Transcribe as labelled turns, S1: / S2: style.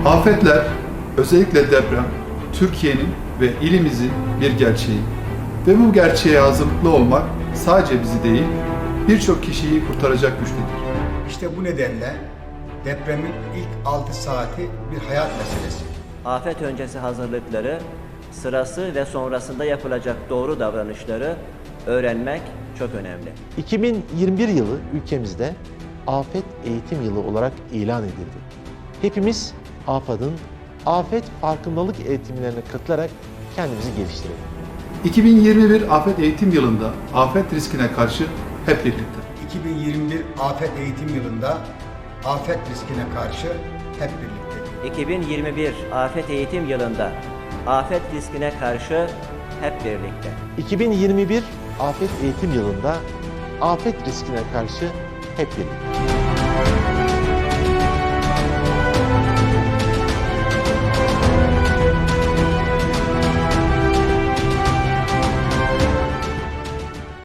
S1: Afetler, özellikle deprem, Türkiye'nin ve ilimizin bir gerçeği. Ve bu gerçeğe hazırlıklı olmak sadece bizi değil, birçok kişiyi kurtaracak güçtedir.
S2: İşte bu nedenle depremin ilk 6 saati bir hayat meselesi.
S3: Afet öncesi hazırlıkları, sırası ve sonrasında yapılacak doğru davranışları öğrenmek çok önemli.
S4: 2021 yılı ülkemizde Afet Eğitim Yılı olarak ilan edildi. Hepimiz AFAD'ın afet farkındalık eğitimlerine katılarak kendimizi geliştirelim.
S1: 2021 Afet Eğitim Yılı'nda afet riskine karşı hep birlikte.
S2: 2021 Afet Eğitim Yılı'nda afet riskine karşı hep birlikte.
S3: 2021 Afet Eğitim Yılı'nda afet riskine karşı hep birlikte.
S4: 2021 Afet Eğitim Yılı'nda afet riskine karşı hep birlikte.